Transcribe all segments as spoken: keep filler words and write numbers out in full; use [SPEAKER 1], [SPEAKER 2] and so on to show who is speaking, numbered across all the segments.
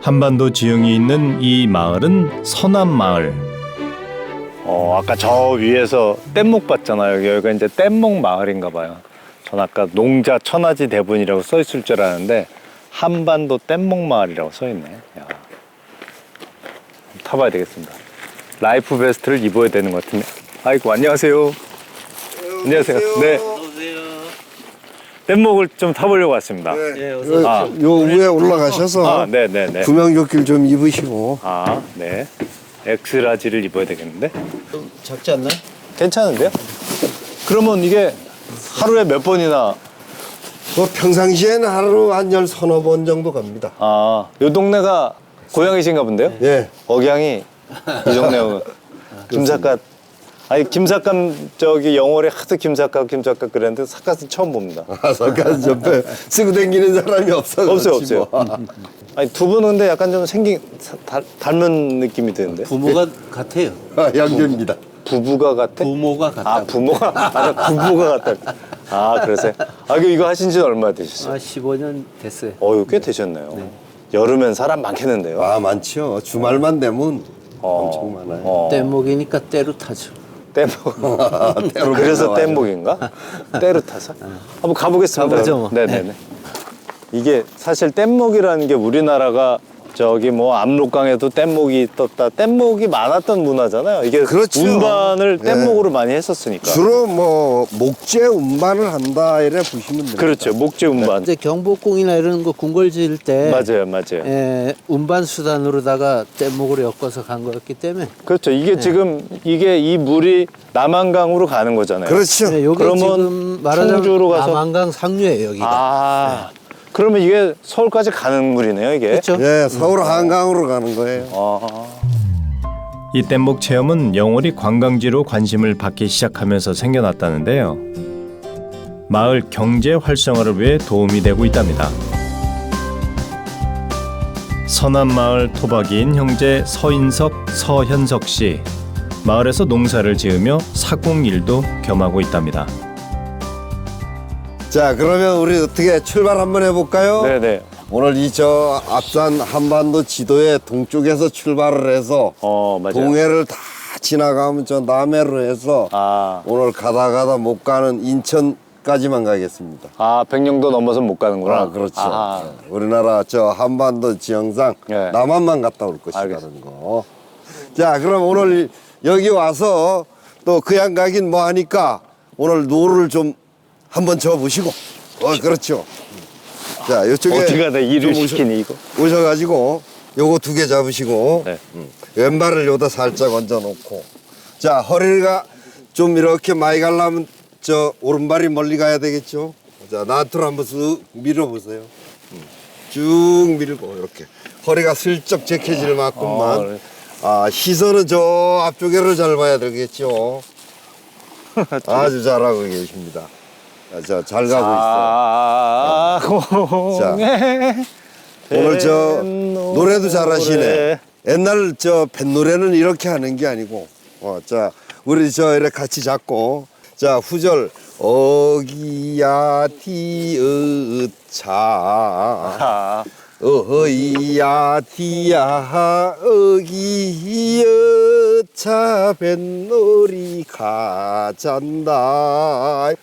[SPEAKER 1] 한반도 지형이 있는 이 마을은 서남마을. 어, 아까 저 위에서 뗏목 봤잖아요. 여기가 이제 뗏목 마을인가 봐요. 전 아까 농자 천하지 대분이라고 써 있을 줄 알았는데 한반도 뗏목 마을이라고 써 있네. 야. 타봐야 되겠습니다. 라이프 베스트를 입어야 되는 것 같은데. 아이고, 안녕하세요. 네, 안녕하세요. 네. 뗏목을 좀 타보려고 왔습니다.
[SPEAKER 2] 네, 어서
[SPEAKER 1] 아,
[SPEAKER 2] 요 위에 올라가셔서
[SPEAKER 1] 아, 네네네.
[SPEAKER 2] 구명조끼를 좀 입으시고.
[SPEAKER 1] 아, 네. 엑스라지를 입어야 되겠는데?
[SPEAKER 2] 좀 작지 않나요?
[SPEAKER 1] 괜찮은데요? 그러면 이게 하루에 몇 번이나?
[SPEAKER 2] 뭐 평상시에는 하루 한 열 서너 번 정도 갑니다.
[SPEAKER 1] 아, 요 동네가 고향이신가 본데요?
[SPEAKER 2] 예.
[SPEAKER 1] 억양이 이 동네하고 김삿갓. 아니, 김삿갓 저기 영월에 하도 김삿갓 김삿갓 그랬는데 삿갓은 처음 봅니다.
[SPEAKER 2] 아, 잠깐 옆에 쓰고 다니는 사람이 없어.
[SPEAKER 1] 없어요, 없어요. 아니, 두 분은 근데 약간 좀 생긴 사- 달- 닮은 느낌이 드는데.
[SPEAKER 3] 부모가 같아요.
[SPEAKER 2] 아, 양조입니다.
[SPEAKER 1] 부부가 같아?
[SPEAKER 3] 부모가 같다.
[SPEAKER 1] 아, 부모가 아, 부부가 같다. 아, 그러세요? 아, 이거 이거 하신 지는 얼마나 되셨어요?
[SPEAKER 3] 아, 십오 년 됐어요.
[SPEAKER 1] 어, 이거 꽤 되셨네요. 여름엔 사람 많겠는데요.
[SPEAKER 2] 아, 많죠. 주말만 되면
[SPEAKER 1] 어,
[SPEAKER 2] 엄청 많아요.
[SPEAKER 1] 어,
[SPEAKER 3] 뗏목이니까 때로 타죠.
[SPEAKER 1] 뗏목.
[SPEAKER 2] 때로
[SPEAKER 1] 그래서
[SPEAKER 2] 나와요.
[SPEAKER 1] 뗏목인가? 때로 타서? 한번 가보겠습니다.
[SPEAKER 3] 가보죠, 뭐.
[SPEAKER 1] 네네네. 이게 사실 뗏목이라는 게 우리나라가 저기 뭐 압록강에도 뗏목이 떴다. 뗏목이 많았던 문화잖아요. 이게
[SPEAKER 2] 그렇죠.
[SPEAKER 1] 운반을
[SPEAKER 2] 네.
[SPEAKER 1] 뗏목으로 많이 했었으니까.
[SPEAKER 2] 주로 뭐 목재 운반을 한다 이래 보시면 됩니다.
[SPEAKER 1] 그렇죠. 목재 운반.
[SPEAKER 3] 이제 경복궁이나 이런 거 궁궐 지을 때
[SPEAKER 1] 맞아요, 맞아요.
[SPEAKER 3] 에, 운반 수단으로다가 뗏목으로 엮어서 간 거였기 때문에
[SPEAKER 1] 그렇죠. 이게 지금 이게 이 물이 남한강으로 가는 거잖아요.
[SPEAKER 2] 그렇죠.
[SPEAKER 3] 네, 요게
[SPEAKER 1] 그러면
[SPEAKER 3] 지금 말하자면
[SPEAKER 1] 청주로 가서-
[SPEAKER 3] 남한강 상류예요, 여기가.
[SPEAKER 1] 아, 그러면 이게 서울까지 가는 물이네요, 이게.
[SPEAKER 3] 그렇죠?
[SPEAKER 2] 예, 서울 한강으로 가는 거예요.
[SPEAKER 1] 아,
[SPEAKER 4] 이 뗏목 체험은 영월이 관광지로 관심을 받기 시작하면서 생겨났다는데요. 마을 경제 활성화를 위해 도움이 되고 있답니다. 서남마을 토박이인 형제 서인석, 서현석 씨. 마을에서 농사를 지으며 사공일도 겸하고 있답니다.
[SPEAKER 2] 자, 그러면 우리 어떻게 출발 한번 해볼까요?
[SPEAKER 1] 네네.
[SPEAKER 2] 오늘 이 저 앞산 한반도 지도의 동쪽에서 출발을 해서
[SPEAKER 1] 어, 맞아요.
[SPEAKER 2] 동해를 다 지나가면 저 남해로 해서
[SPEAKER 1] 아,
[SPEAKER 2] 오늘 가다 가다 못 가는 인천까지만 가겠습니다.
[SPEAKER 1] 아, 백령도 넘어서 못 가는구나.
[SPEAKER 2] 아, 그렇죠.
[SPEAKER 1] 아,
[SPEAKER 2] 예, 우리나라 저 한반도 지형상
[SPEAKER 1] 예.
[SPEAKER 2] 남한만 갔다 올 것이라는
[SPEAKER 1] 알겠습니다.
[SPEAKER 2] 거. 자, 그럼 오늘 여기 와서 또 그양 가긴 뭐 하니까 오늘 노루를 좀 한번 져보시고. 어, 그렇죠. 자, 이쪽에
[SPEAKER 1] 어디가 내 일을
[SPEAKER 2] 좀 오셔-
[SPEAKER 1] 시키니, 이거?
[SPEAKER 2] 오셔가지고 요거 두 개 잡으시고
[SPEAKER 1] 네.
[SPEAKER 2] 음, 왼발을 요다 살짝 얹어 놓고 자, 허리가 좀 이렇게 많이 가려면 저 오른발이 멀리 가야 되겠죠. 자, 나트로 한번 쓱 밀어보세요. 음, 쭉 밀고 이렇게 허리가 슬쩍 제켜질 만큼만.
[SPEAKER 1] 어, 그래.
[SPEAKER 2] 아, 시선은 저 앞쪽에를 잘 봐야 되겠죠. 아주 잘하고 계십니다. 자, 잘 가고
[SPEAKER 1] 아,
[SPEAKER 2] 자, 있어요. 오늘 저 노래도 잘하시네. 옛날 저 뱃노래는 이렇게 하는 게 아니고, 어, 자, 우리 저 이렇게 같이 잡고, 자, 후절 어기야 디으차
[SPEAKER 1] 아,
[SPEAKER 2] 어이야 디야 어기여차 뱃놀이 가잔다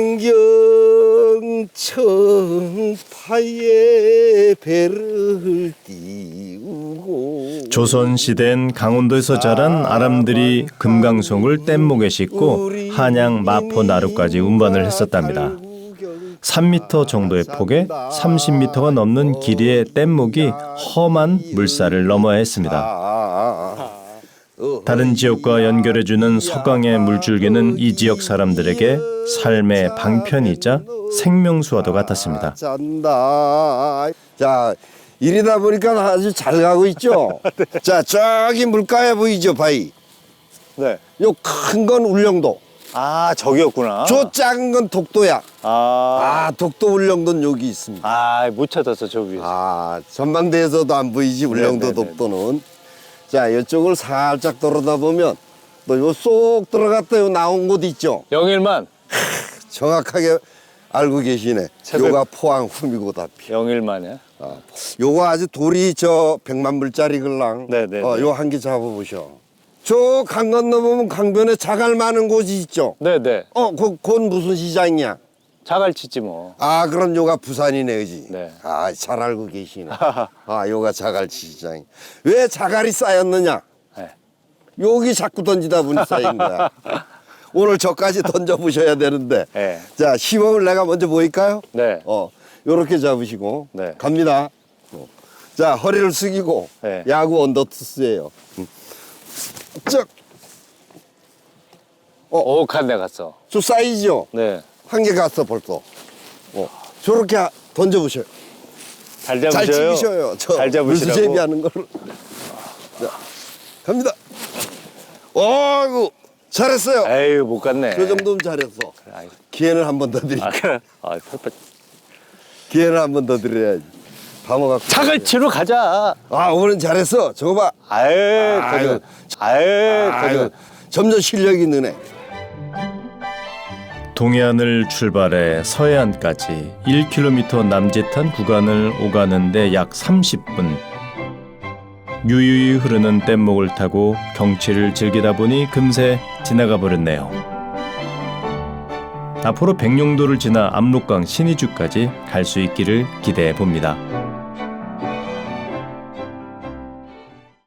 [SPEAKER 2] 만경청파에 배를 띄우고
[SPEAKER 4] 조선시대엔 강원도에서 자란 아람들이 금강송을 뗏목에 싣고 한양, 마포, 나루까지 운반을 했었답니다. 삼 미터 정도의 폭에 삼십 미터가 넘는 길이의 뗏목이 험한 물살을 넘어야 했습니다. 다른 지역과 연결해주는 서강의 물줄기는 이 지역 사람들에게 삶의 방편이자 생명수와도 같았습니다.
[SPEAKER 2] 잔다. 자, 이리다 보니까 아주 잘 가고 있죠. 자, 저기 물가에 보이죠, 바위.
[SPEAKER 1] 네.
[SPEAKER 2] 요 큰 건 울릉도.
[SPEAKER 1] 아, 저기였구나.
[SPEAKER 2] 저 작은 건 독도야.
[SPEAKER 1] 아,
[SPEAKER 2] 아, 독도 울릉도는 여기 있습니다.
[SPEAKER 1] 아, 못 찾았어, 저 위에서.
[SPEAKER 2] 아, 전망대에서도 안 보이지, 울릉도
[SPEAKER 1] 네네네.
[SPEAKER 2] 독도는. 자, 이쪽을 살짝 돌아다 보면 또 요 쏙 들어갔다 요 나온 곳 있죠.
[SPEAKER 1] 영일만.
[SPEAKER 2] 정확하게 알고 계시네.
[SPEAKER 1] 새벽-
[SPEAKER 2] 요가 포항 후미고다피.
[SPEAKER 1] 영일만이야.
[SPEAKER 2] 요거 아주 돌이 저 백만 불짜리 걸랑.
[SPEAKER 1] 네네.
[SPEAKER 2] 어, 요 한 개 잡아보셔. 저 강 건너보면 강변에 자갈 많은 곳이 있죠.
[SPEAKER 1] 네네.
[SPEAKER 2] 어, 그, 그건 무슨 시장이야?
[SPEAKER 1] 자갈치지 뭐.
[SPEAKER 2] 아, 그럼 요가 부산이네, 그지?
[SPEAKER 1] 네.
[SPEAKER 2] 아, 잘 알고 계시네. 아, 요가 자갈치 시장이. 왜 자갈이 쌓였느냐?
[SPEAKER 1] 네.
[SPEAKER 2] 여기 자꾸 던지다 보니 쌓인 거야. 오늘 저까지 던져보셔야 되는데.
[SPEAKER 1] 네.
[SPEAKER 2] 자, 시범을 내가 먼저 보일까요?
[SPEAKER 1] 네.
[SPEAKER 2] 어, 요렇게 잡으시고.
[SPEAKER 1] 네.
[SPEAKER 2] 갑니다. 어. 자, 허리를 숙이고.
[SPEAKER 1] 네.
[SPEAKER 2] 야구 언더투스예요. 음. 쭉.
[SPEAKER 1] 오, 칸데 갔어.
[SPEAKER 2] 저 사이즈요.
[SPEAKER 1] 네.
[SPEAKER 2] 한 개 갔어, 벌써. 어. 저렇게 하- 던져보셔요.
[SPEAKER 1] 잘
[SPEAKER 2] 잘
[SPEAKER 1] 잡으셔요.
[SPEAKER 2] 찍으셔요. 저
[SPEAKER 1] 잘 잡으시라고.
[SPEAKER 2] 물수제비 하는 거를. 자, 갑니다. 어이구, 잘했어요.
[SPEAKER 1] 에휴, 못 갔네.
[SPEAKER 2] 그 정도면 잘했어.
[SPEAKER 1] 아이,
[SPEAKER 2] 기회를 한 번 더 드릴게요.
[SPEAKER 1] 아, 그래. 아, 펄펄.
[SPEAKER 2] 기회를 한 번 더 드려야지. 방어갖고.
[SPEAKER 1] 자갈치로 가자.
[SPEAKER 2] 아, 오늘은 잘했어. 저거 봐.
[SPEAKER 1] 아유,
[SPEAKER 2] 아유.
[SPEAKER 1] 거저. 아유,
[SPEAKER 2] 아유,
[SPEAKER 1] 거저.
[SPEAKER 2] 점점 실력이 느네.
[SPEAKER 4] 동해안을 출발해 서해안까지 일 킬로미터 남짓한 구간을 오가는데 약 삼십 분. 유유히 흐르는 뗏목을 타고 경치를 즐기다 보니 금세 지나가 버렸네요. 앞으로 백령도를 지나 압록강 신의주까지 갈 수 있기를 기대해 봅니다.